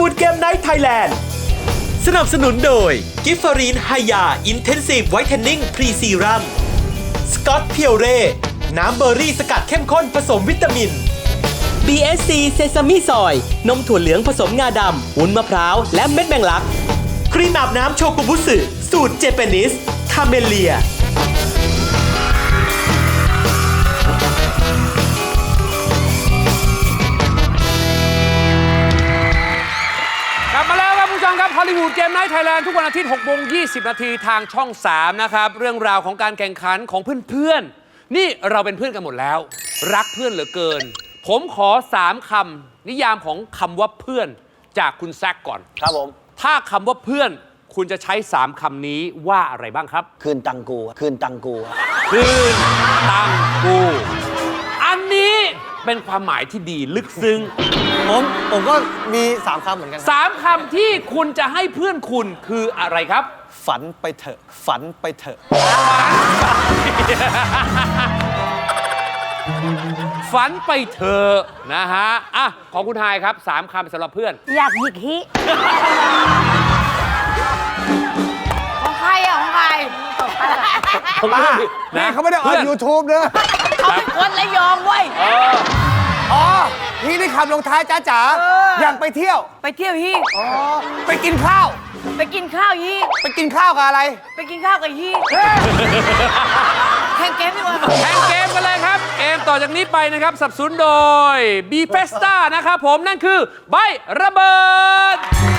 วูดเกมไนท์ไทยแลนด์สนับสนุนโดยกิฟฟารีนไฮยาอินเทนซีฟไวท์เทนนิ่งพรีซีรัมสกอตเพียวเร่น้ำเบอร์รี่สกัดเข้มข้นผสมวิตามิน BSC เซซามิซอยนมถั่วเหลืองผสมงาดำวุ้นมะพร้าวและเม็ดแมงลักครีมอาบน้ำโชกุบุสึสูตรเจแปนิสคาเมเลียกลับมาแล้วครับผู้ชมครับฮอลลีวูดเกมไนท์ไทยแลนด์ทุกวันอาทิตย์6 โมง 20 นาทีทางช่อง 3 นะครับ เรื่องราวของการแข่งขันของเพื่อนๆ นี่เราเป็นเพื่อนกันหมดแล้ว รักเพื่อนเหลือเกิน ผมขอ 3 คำนิยามของคำว่าเพื่อนจากคุณแซคก่อนครับผมถ้าคำว่าเพื่อนคุณจะใช้ 3 คำนี้ว่าอะไรบ้างครับคืนตังกูคืนตังกูคืนตังกู อันนี้เป็นความหมายที่ดีลึกซึ้งผมก็มี3คำเหมือนกัน 3 คำที่คุณจะให้เพื่อนคุณคืออะไรครับฝันไปเถอะฝันไปเถอะฝันไปเถอะนะฮะอ่ะของคุณไฮครับ 3 คำสำหรับเพื่อนอยากหยิกฮิของใครอ่ะของใครนี่เขาไม่ได้ออน YouTube นะเขาเป็นคนระยองเว้ยอ๋อนี่ได้คำลงท้ายจ้าจ๋าอย่างไปเที่ยวไปเที่ยวฮีอ๋อไปกินข้าวไปกินข้าวฮีไปกินข้าวกับอะไรไปกินข้าวกับฮีแข่งเกมดีกว่าแข่งเกมกันเลยครับ เกมต่อจากนี้ไปนะครับสนับสนุนโดย B Festa นะครับผมนั่นคือใบระเบิด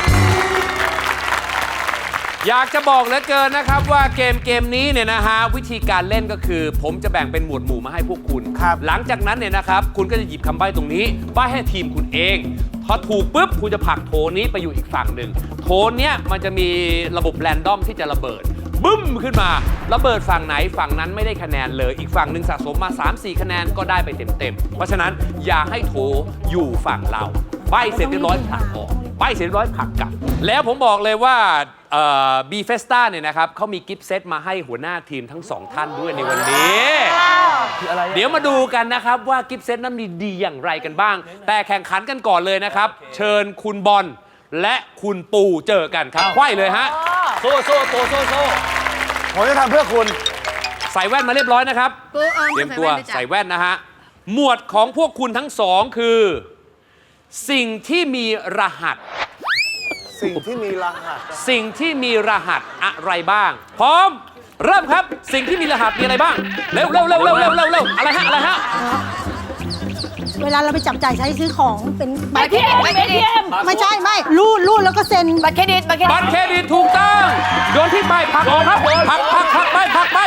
อยากจะบอกเหลือเกินนะครับว่าเกมนี้เนี่ยนะฮะวิธีการเล่นก็คือ ผมจะแบ่งเป็นหมวดหมู่มาให้พวกคุณครับหลังจากนั้นเนี่ยนะครับคุณก็จะหยิบคำใบ้ตรงนี้ใบ้ให้ทีมคุณเองพอถูกปุ๊บคุณจะผลักโถนี้ไปอยู่อีกฝั่งหนึ่งโถเนี้ยมันจะมีระบบแรนดอมที่จะระเบิดบึ้มขึ้นมาระเบิดฝั่งไหนฝั่งนั้นไม่ได้คะแนนเลยอีกฝั่งหนึ่งสะสมมา 3-4 คะแนนก็ได้ไปเต็มๆเพราะฉะนั้นอย่าให้โถอยู่ฝั่งเราใบ้เสร็จเรียบร้อยผลักออกใบ้เสร็จเรียบร้อยผลักกลับแล้วผมบอกเลยว่าบีเฟสต้าเนี่ยนะครับเขามีกิฟต์เซตมาให้หัวหน้าทีมทั้ง 2 ท่านด้วยในวันนี้เดี๋ยวมาดูกันนะครับว่ากิฟต์เซตนั้นมีดีอย่างไรกันบ้าง แต่แข่งขันกันก่อนเลยนะครับ เชิญคุณบอลและคุณปูเจอกันครับไขว้เลยฮะโซ่ผมจะทำเพื่อคุณใส่แว่นมาเรียบร้อยนะครับเตรียมตัวใส่แว่นนะฮะหมวดของพวกคุณทั้งสองคือ สิ่งที่มีรหัสสิ่งที่มีรหัสสิ่งที่มีรหัสอะไรบ้าง พร้อม เริ่มครับ สิ่งที่มีรหัสมีอะไรบ้าง เร็วอะไรฮะเวลาเราไปจับจ่ายใช้ซื้อของเป็นบัตรเครดิตไม่ใช่ไม่รูดแล้วก็เซ็นบัตรเครดิตบัตรเครดิตถูกต้องโยนที่ไปผลักออกครับผลักไป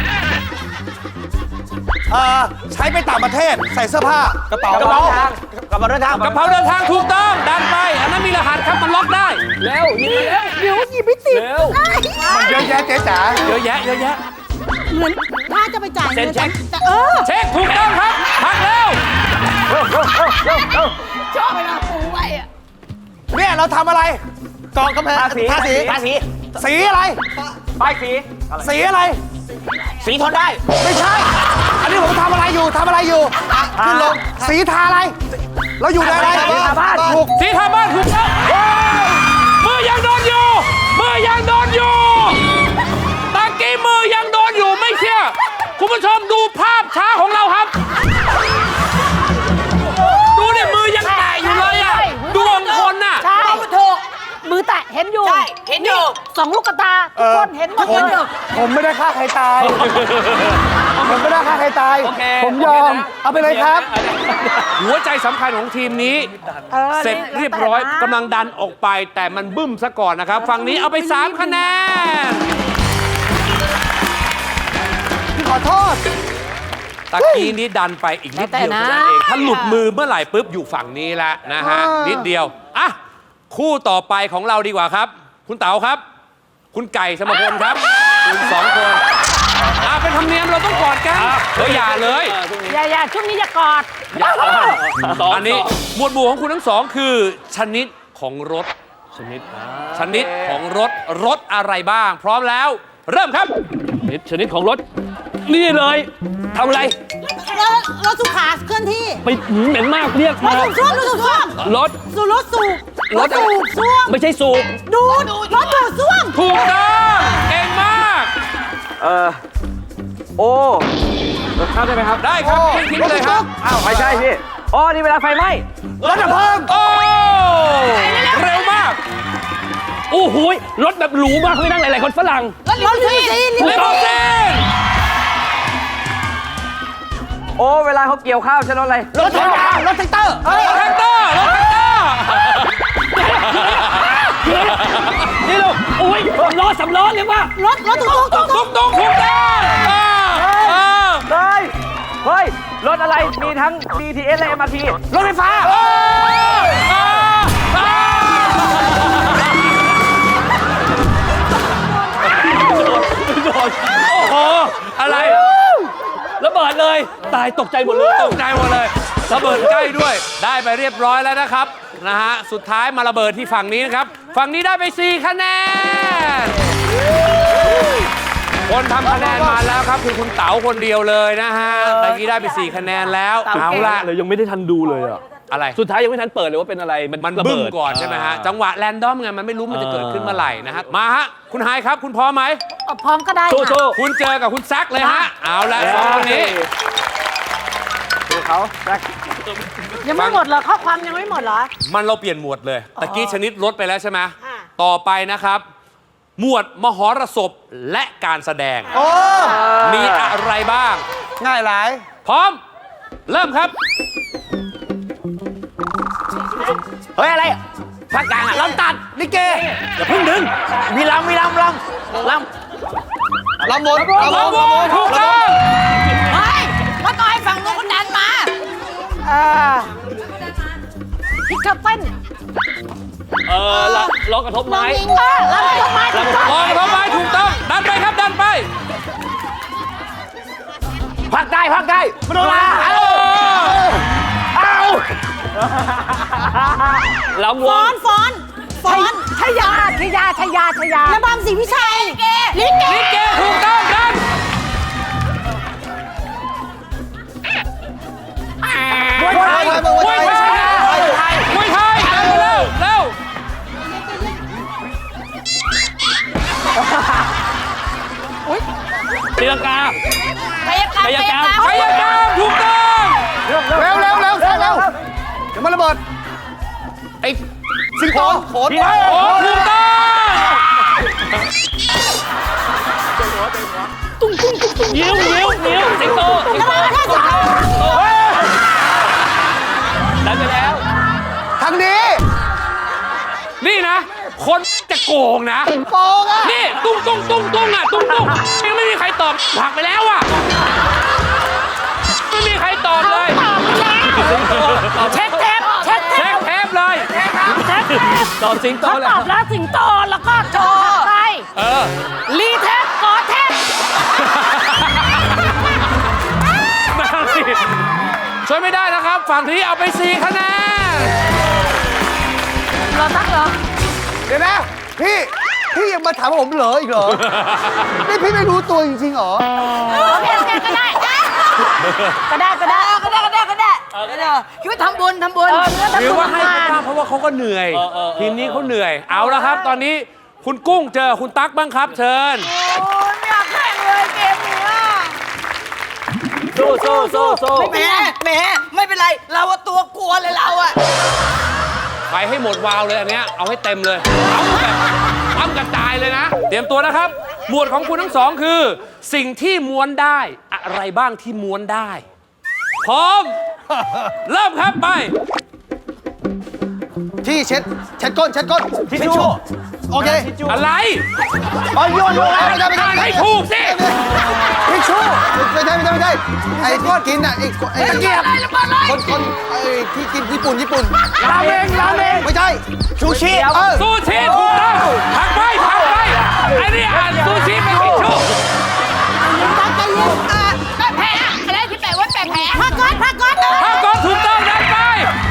ใช้ไปต่างประเทศใส่เสื้อผ้ากระเป๋าเดินทางกระเป๋าเดินทางถูกต้องดันไปอันนั้นมีรหัสครับมันล็อกได้เร็วเดี๋ยวหยิบไม่ติดมันเยอะแยะเจ๊จ๋าเยอะแยะเหมือนถ้าจะไปจ่ายเซ็นเช็คแต่เช็คถูกต้องครับผลักเร็วชอบเวลาปูไว้อะเนี่ยเราทำอะไรกองกำแพงทาสีสีอะไรป้ายสีอะไรสีทนได้ไม่ใช่ อันนี้ผมทำอะไรอยู่ขึ้นลงสีทาอะไรเราอยู่ในอะไรสีทาบ้านถูกสีทาบ้านถูกต้องมือยังโดนอยู่ตะกี้มือยังโดนอยู่ไม่เชื่อคุณผู้ชมดูภาพช้าของเราครับดูเนี่ยมือยังแตะอยู่เลยอ่ะดวงคนน่ะใช่ถูกมือแตะเห็นอยู่ใช่เห็นอยู่ 2 ลูกตาทุกคนเห็นหมดเลยผมไม่ได้ฆ่าใครตาย ผมยอม เอาไปเลยครับหัวใจสำคัญของทีมนี้ เสร็จเรียบร้อยกำลังดันออกไปแต่มันบึ้มซะก่อนนะครับ ฝั่งนี้เอาไป 3 คะแนนขอโทษตะกี้นี้ดันไปอีกนิดเดียวเท่านั้นเองถ้าหลุดมือเมื่อไหร่ปุ๊บอยู่ฝั่งนี้แล้วนะฮะนิดเดียวอ่ะคู่ต่อไปของเราดีกว่าครับ คุณเต๋าครับ คุณไก่สมพลครับคุณ2 คนเป็นธรรมเนียมเราต้องกอดกันอย่าเลยอย่าช่วงนี้อย่ากอดอันนี้หมวดหมู่ของคุณทั้งสองคือชนิดของรถชนิดของรถอะไรบ้าง พร้อมแล้ว เริ่มครับชนิดของรถนี่เลยทำอะไรรถสุขาเคลื่อนที่ไปเหม็นมากเรียกรมาถสูบซ่วมรถสูบรถสูบซ่วมไม่ใช่สูบดูดรถดูดซ่วมถูกต้องเก่งมากโอ้รถข้ามได้ไหมครับได้ครับทิ้งเลยครับอ้าวไม่ใช่พี่อ๋อนี่เวลาไฟไหม้รถดับเพลิงโอ้เร็วมากโอ้โหรถแบบหรูมากเขาไม่นั่งหลายๆคนฝรั่งรถลิมูซีนเลโมซีนโอ้เวลาเขาเกี่ยวข้าวใช้รถอะไรรถแท็กเตอร์รถแท็กเตอร์รถแท็กเตอร์รถแท็กเตอร์นี่ลูกโอ้ยสำล้อเรียกว่ารถตุ๊กตุ๊กตุ๊กตุ้งถูกต้องเฮ้ยรถอะไรมีทั้ง BTS และ MRT รถไฟฟ้าโอ้โหอะไรระเบิดเลยตายตกใจหมดเลยตกใจหมดเลยระเบิดใกล้ด้วย ได้ไปเรียบร้อยแล้วนะครับนะฮะสุดท้ายมาระเบิดที่ฝั่งนี้นะครับฝั่งนี้ได้ไป4คะแนนคนทำคะแนนมาแล้วครับคือคุณเต๋าคนเดียวเลยนะฮะตะกี้ได้ไป4คะแนนแล้วเอาละเลยยังไม่ได้ทันดูเลยอ่ะอะไรสุดท้ายยังไม่ทันเปิดเลยว่าเป็นอะไรมันระบึ้เบิมดก่อนใช่ไหมฮะจังหวะแรนดอมไงมันไม่รู้มันจะเกิดขึ้นเมื่อไหร่นะฮะมาฮะคุณไฮายครับคุณพร้อมไหมพร้อมก็ได้โชค่ะว์คุณเจอกับคุณแซคเลยฮะเอาละสองคนนี้ดูเขาแจ็คยังไม่หมดเหรอข้อความยังไม่หมดเหรอมันเราเปลี่ยนหมวดเลยตะกี้ชนิดลดไปแล้วใช่ไหมค่ะต่อไปนะครับ หมวดมหรสพและการแสดงมีอะไรบ้างง่ายหลายพร้อม เริ่มครับเฮ้ยอะไรภาคกลางอ่ะลำตัดลิเกอย่าเพิ่งดึงมีลำลำบนลำวงถูกต้องเฮ้ยมาต่อยฝั่งนู้นคนดันมาพิกเกอร์เต้นล้อกระทบไม้ยิงมาแล้วก็มาถูกต้องมองเข้าไปถูกต้อง ดันไปครับ ดันไปภาคใต้มโนรา ลำวฟ้อง นชยาระบำศรีวิชัยลิเกลิเกถูกต้องดันมวยไทยมวยไทยมวยไทยเร็วเร็วตีลังกากายกรรมพยายามถูกต้องเร็วเดี๋ยวมันระเบิดไอ้สิงโตโขนโอ้ถูกต้องนิ้วสิงโตดันไปแล้วทางนี้นี่นะ คนจะโกงนะโกงอ่ะนี่ตุ้งยังไม่มีใครตอบผักไปแล้วอ่ะไม่มีใครตอบเลยเช็คเทปเช็คเทปเลยตอบสิงโตเขาเลยตอบแล้วสิงโตแล้วก็โชว์ไป รีเทปกอเทปช่วยไม่ได้นะครับ ฝั่งที่เอาไป4คะแนนเราตักเหรอเดี๋ยวนะพี่ยังมาถามผมเหรออีกเหรอ นี่พี่ไม่รู้ตัวจริงๆเหรอโอเคก็ได้คิดว่าทำบุญหรือว่าให้เขาบ้างเพราะว่าเขาก็เหนื่อย ทีมนี้เขาเหนื่อย เอาละครับ ตอนนี้คุณกุ้งเจอคุณตั๊กบ้างครับ เชิญโอ้ยไม่อยากแข่งเลยเกมนี้สู้แหมไม่เป็นไร เราอะตัวกลัวเลยเราอะไปให้หมดวาวเลยอันเนี้ยเอาให้เต็มเลยเอาแบบอ้ำกระจายเลยนะ เตรียมตัวนะครับ หมวดของคุณทั้งสองคือ สิ่งที่ม้วนได้อะไรบ้างที่ม้วนได้ พร้อม เริ่มครับไปที่เช็ดก้นทิชชู่โอเคอะไรอ๋อโยนไม่ได้ให้ถูกสิทิชชู่ไม่ใช่ไอ้ก้อนกินอ่ะไอ้ตะเกียบคนไอ้ที่กินญี่ปุ่นราเมงไม่ใช่ชูชีซูชิถูกต้องผักไปไอ้นี่อ่านซูชิเป็นทิชชู่แผลอะไรที่แปลว่าแผลพักก่อนถ้าก่อนถูกต้องดันไป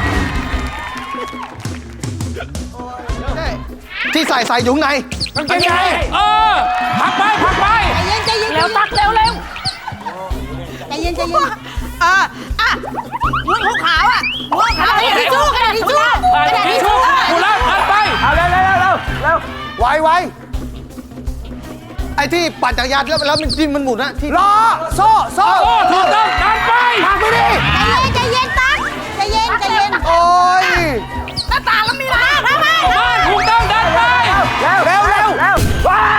ที่ใส่ยุงในเป็นไงผักไปใจเย็นเร็วตักเร็วใจเย็นหัวขาวอะหัวขาวทิชชู่กระดาษทิชชู่ทิชชู่ถูกแล้วไวไอ้ที่ปั่นจักรยานแล้วมันจิ้มมันหมุนนะที่ล้อโซ่โอ้ถูกต้องดันไปผลักไปดิใจเย็นตั๊กใจเย็นโอ้ยหน้าต่างแล้วมีอะไรทำไมบ้านถูกต้องดันไปเร็วว้า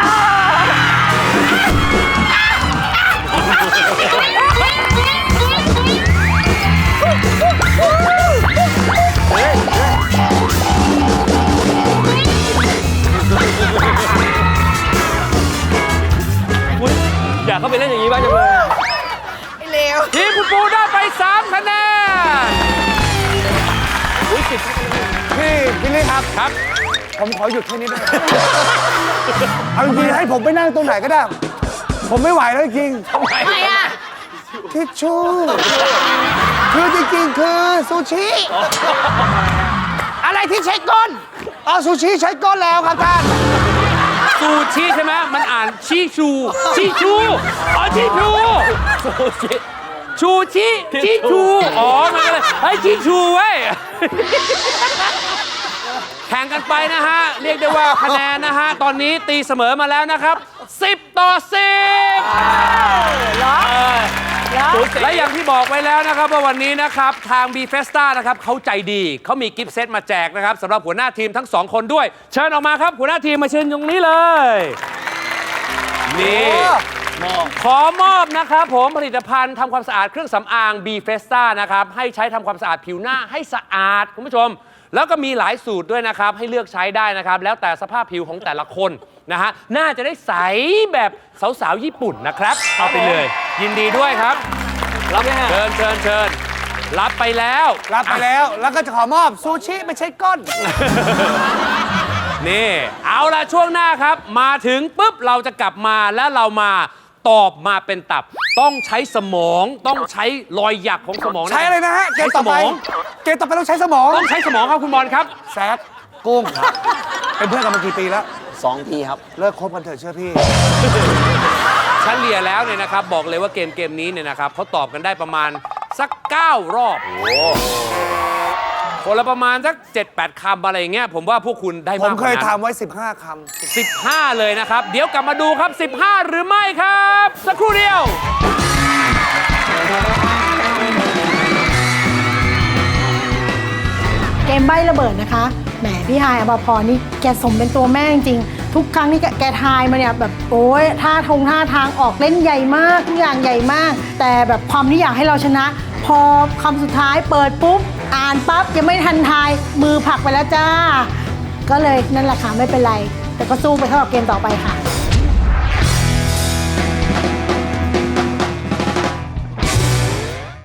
อยากเข้าไปเล่นอย่างนี้บ้างจังเลยทีมคุณปูได้ไป 3 คะแนนพี่ลี่ครับครับผมขอหยุดแค่นี้ได้ไหมเอาจริงๆให้ผมไปนั่งตรงไหนก็ได้ ผมไม่ไหวแล้วจริงทำไมอ่ะทิชชู่คือจริงๆคือซูชิ อะไรที่ใช้ก้นอ๋อซูชิใช้ก้นแล้วครับท่านซูชิใช่ไหมมันอ่านชิชูอ๋อชิชูชูชิชูอ๋อมันก็เลยเฮ้ยชิชูเว้ย แข่งกันไปนะฮะ เรียกได้ว่าคะแนนนะฮะ ตอนนี้ตีเสมอมาแล้วนะครับ 10 ต่อ 10และอย่างที่บอกไว้แล้วนะครับว่าวันนี้นะครับทาง B Festa นะครับเขาใจดีเขามีกิฟต์เซตมาแจกนะครับสำหรับหัวหน้าทีมทั้ง 2 คนด้วย เชิญออกมาครับหัวหน้าทีมมาเชิญตรงนี้เลยนี่ขอมอบนะครับผมผลิตภัณฑ์ทำความสะอาดเครื่องสำอาง B Festa นะครับให้ใช้ทำความสะอาดผิวหน้าให้สะอาดคุณผู้ชม แล้วก็มีหลายสูตรด้วยนะครับให้เลือกใช้ได้นะครับแล้วแต่สภาพผิวของแต่ละคนนะฮะน่าจะได้ใสแบบสาวๆญี่ปุ่นนะครับเอาไปเลย ยินดีด้วยครับรับเชิญรับไปแล้วรับไปแล้วแล้วก็จะขอมอบซูชิไม่ใช่ก้นนี่เอาละช่วงหน้าครับมาถึงปุ๊บเราจะกลับมาแล้วเรามาตอบมาเป็นตับ ต้องใช้สมองต้องใช้รอยหยักของสมองใช้อะไรนะฮะ เกมต่อไป เกมต่อไปต้องใช้สมองต้องใช้สมองครับคุณบอลครับแซดกุ้งเป็นเพื่อนกันมากี่ปีแล้ว 2 ทีครับเลิกคบกันเถอะเชื่อพี่เฉลี่ยแล้วเนี่ยนะครับบอกเลยว่าเกมนี้เนี่ยนะครับเขาตอบกันได้ประมาณสัก 9 รอบคนละประมาณสัก 7-8 คำอะไรอย่างเงี้ยผมว่าพวกคุณได้ผมมากกเคว่าย นั้นทำไว้ 15 คำ 15 เลยนะครับ เดี๋ยวกลับมาดูครับ 15 หรือไม่ครับ สักครู่เดียวเกมใบ้ระเบิดนะคะแหมพี่ฮายอภพรนี่แกสมเป็นตัวแม่จริงๆทุกครั้งที่แกทายมาเนี่ยแบบโอ้ยท่าทางออกเล่นใหญ่มากทุกอย่างใหญ่มาก แต่แบบความที่อยากให้เราชนะ พอคำสุดท้ายเปิดปุ๊บอ่านปั๊บยังไม่ทันทายมือผลักไปแล้วจ้า ก็เลยนั่นแหละค่ะไม่เป็นไร แต่ก็สู้ไปเท่ากับเกมต่อไปค่ะ